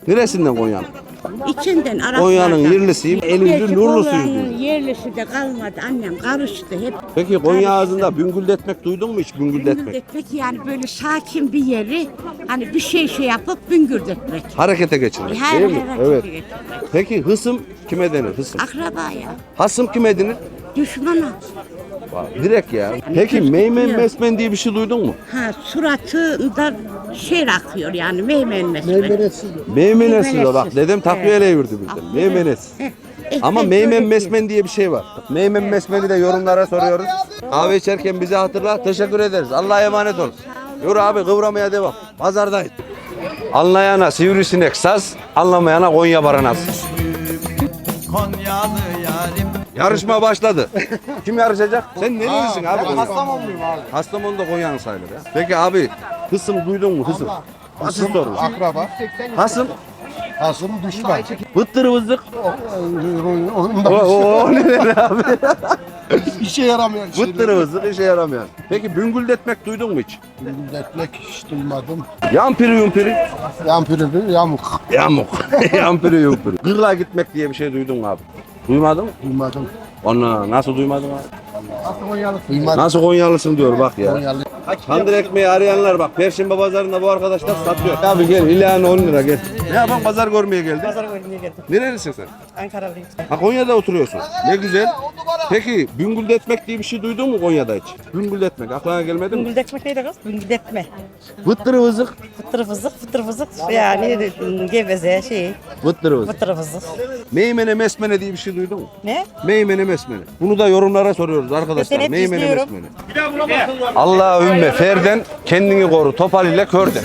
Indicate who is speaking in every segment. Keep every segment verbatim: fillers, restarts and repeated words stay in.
Speaker 1: Neresinden Konya'nın?
Speaker 2: İçinden Araplardan.
Speaker 1: Konya'nın yerlisiyim, elinde nurlusuyum diyor.
Speaker 2: Konya'nın yerlisi de kalmadı. Annem karıştı hep.
Speaker 1: Peki Konya ağzında büngüldetmek duydun mu hiç büngüldetmek?
Speaker 2: Büngürdetmek yani böyle sakin bir yeri hani bir şey şey yapıp büngürdetmek.
Speaker 1: Harekete geçirmek
Speaker 2: Her
Speaker 1: değil mi?
Speaker 2: harekete
Speaker 1: Evet.
Speaker 2: geçirmek.
Speaker 1: Peki hısım kime denir hısım?
Speaker 2: Akrabaya,
Speaker 1: Hasım kime denir?
Speaker 2: düşmana.
Speaker 1: Direkt ya. Peki meymen mesmen diye bir şey duydun mu?
Speaker 2: Ha suratında şey akıyor yani meymen mesmen.
Speaker 1: Meymenesiz o bak.
Speaker 2: Meymenesiz.
Speaker 1: Dedem takviyeyle yürüdü bizden.
Speaker 2: Aferin.
Speaker 1: Meymenesiz.
Speaker 2: Heh, eh,
Speaker 1: Ama
Speaker 2: eh,
Speaker 1: meymen
Speaker 2: öyle
Speaker 1: mesmen diye bir şey var. Meymen mesmeni de yorumlara soruyoruz. Kahve içerken bizi hatırla. Teşekkür ederiz. Allah'a emanet ol. Yürü abi kıvramaya devam. Pazardayız. Anlayana sivrisinek saz, anlamayana Konya baranası.
Speaker 3: Konyalı yarim.
Speaker 1: Yarışma başladı. Kim yarışacak? Sen nerelisin abi?
Speaker 4: Ben Kastamonluyum abi.
Speaker 1: Kastamonu'da Konya'nın sayılır ya. Peki abi hısım duydun mu hısım? Basit soru.
Speaker 4: Akraba.
Speaker 1: Hasım,
Speaker 4: Hasım düşman.
Speaker 1: vıttır vızlık.
Speaker 4: Onda
Speaker 1: O, o, o ne abi?
Speaker 4: işe yaramayan şeyler.
Speaker 1: Vıttır vızlık işe yaramayan. Peki büngüldetmek duydun mu hiç?
Speaker 4: Milletmek hiç duymadım.
Speaker 1: Yampiri yumpiri.
Speaker 4: Yampiri bir yamuk.
Speaker 1: Yamuk. Yampiri yumpiri. Gırla gitmek diye bir şey duydun mu abi? Duymadın mı?
Speaker 4: Duymadım.
Speaker 1: Onu nasıl duymadın abi?
Speaker 4: Duymadım.
Speaker 1: Nasıl Konyalısın diyor bak ya.
Speaker 4: Konyalı.
Speaker 1: Tandır ekmeği arayanlar bak Perşembe pazarında bu arkadaşlar satıyor. Abi gel ilan on lira gel. Ne yapan pazar görmeye geldin?
Speaker 5: Pazar görmeye geldim.
Speaker 1: Nerelisin sen?
Speaker 5: Ankara'lıyım.
Speaker 1: Ha Konya'da oturuyorsun. Ne güzel. Peki büngüldetmek diye bir şey duydun mu Konya'da hiç? Büngüldetmek aklına gelmedi mi?
Speaker 5: Büngüldetmek neydi kız? Büngüldetme.
Speaker 1: Vıttırı vızık.
Speaker 5: Fıtır fızık, fıtır fızık. Yani geveze şey,
Speaker 1: Vıttırı vızık.
Speaker 5: fıtır fızık.
Speaker 1: Meymene mesmene diye bir şey duydun mu?
Speaker 5: Ne?
Speaker 1: Meymene mesmene. Bunu da yorumlara soruyoruz arkadaşlar.
Speaker 5: Ben hep
Speaker 1: Meymene
Speaker 5: izliyorum.
Speaker 1: mesmene. Allah ümme ferden kendini koru topal ile körden.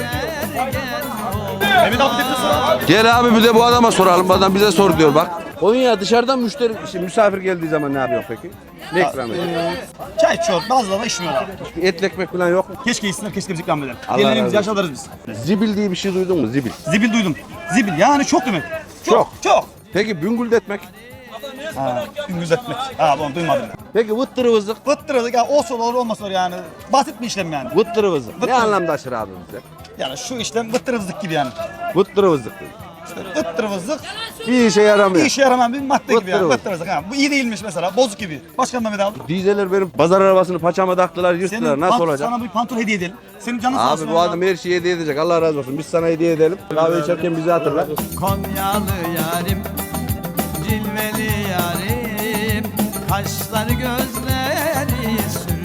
Speaker 1: Gel abi bir de bu adama soralım. Bu adam bize sor diyor bak. Konya dışarıdan müşteri, şimdi misafir geldiği zaman ne yapıyor peki? Ne ikram ediyor?
Speaker 6: Çay içiyor, bazıları da içmiyorlar.
Speaker 1: Etli ekmek falan yok mu?
Speaker 6: Keşke içsinler, keşke biz ikram edelim.
Speaker 1: Allah
Speaker 6: Diğerlerimiz
Speaker 1: razı
Speaker 6: yaş
Speaker 1: olsun.
Speaker 6: alırız biz.
Speaker 1: Zibil diye bir şey duydun mu? Zibil.
Speaker 6: Zibil duydum. Zibil yani çok demek.
Speaker 1: Çok.
Speaker 6: Çok. Çok.
Speaker 1: Peki büngüldetmek?
Speaker 6: Ha, gündüz etmek. Ha bunu duymadım.
Speaker 1: Peki vıttırı vızık?
Speaker 6: Fıttırılık ya olsun olur olmasa olur yani. Basit bir işlem yani.
Speaker 1: Vıttırı vızık. Ne
Speaker 6: Vıttırı.
Speaker 1: anlamda aşır abi bize?
Speaker 6: Yani şu işlem vıttırızlık gibi yani.
Speaker 1: Vıttırı vızık.
Speaker 6: İşte vıttırızlık
Speaker 1: Bir işe yaramıyor.
Speaker 6: bir işe yaramayan bir madde gibi yani.
Speaker 1: Vıttırızlık.
Speaker 6: Vıttırızlık ha. Bu iyi değilmiş mesela. Bozuk gibi. Başka Mehmet abi.
Speaker 1: Dizeler benim pazar arabasını paçama taktılar, yırttılar.
Speaker 6: Senin
Speaker 1: Nasıl
Speaker 6: pant-
Speaker 1: olacak?
Speaker 6: Sana bir pantol hediye edelim. Senin canın sağ olsun.
Speaker 1: Abi bu
Speaker 6: Mehmet
Speaker 1: adam her şeyi hediye edecek. Allah razı olsun. Biz sana hediye edelim. Kahve içerken bizi hatırla.
Speaker 3: Konyalı yarim. Cilveli yarim. Kaşları gözleri